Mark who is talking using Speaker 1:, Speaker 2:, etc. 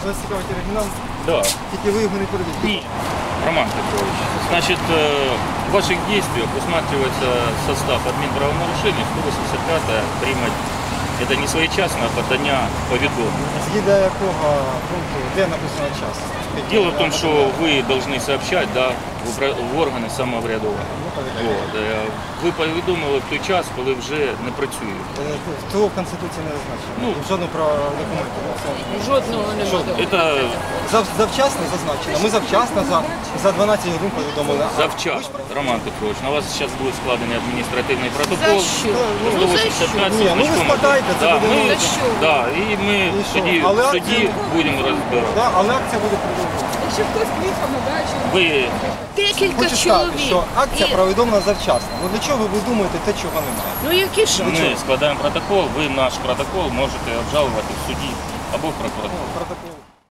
Speaker 1: Вас цікавить оригінал?
Speaker 2: Да.
Speaker 1: Тільки ви його не перевірите.
Speaker 2: Нет, Роман Петрович, значит, в ваших действиях усматривается состав админправонарушений 185 приймать. Это не своечасное подання повідомлення.
Speaker 1: Згідно якого пункту, де написано час?
Speaker 2: Дело в том, что вы должны сообщать, да, в органи самоврядування. Вот. Ви повідомили в той час, коли вже не працюють.
Speaker 1: Того в Конституції не зазначено.
Speaker 2: Ну,
Speaker 1: в жодному про документі.
Speaker 3: Жодного немає.
Speaker 2: Это
Speaker 1: Завчасно зазначено. Ми завчасно за 12 годин повідомили.
Speaker 2: завчасно, Роман Петрович. На вас зараз буде складений адміністративний протокол.
Speaker 3: За що?
Speaker 2: Ну, 185
Speaker 1: Ні, ну ви спитайте, це
Speaker 2: да,
Speaker 1: буде
Speaker 2: ми,
Speaker 3: За що?
Speaker 2: да, і ми
Speaker 1: І що?
Speaker 2: тоді
Speaker 1: Але
Speaker 2: в суді
Speaker 1: акція-
Speaker 2: будемо розбиратися.
Speaker 1: Да, але акція буде продовжуватися.
Speaker 3: Якщо хтось приїхав на дачу.
Speaker 2: Ви
Speaker 3: Декілька
Speaker 1: Хочу сказати,
Speaker 3: чоловік.
Speaker 1: що акція
Speaker 3: І-
Speaker 1: повідомлена завчасно. Ну для чого ви думаєте те, чого немає?
Speaker 3: Ну які ж?
Speaker 2: ми складаємо протокол, ви наш протокол можете обжалувати в суді або в прокуратурі.
Speaker 1: Протокол.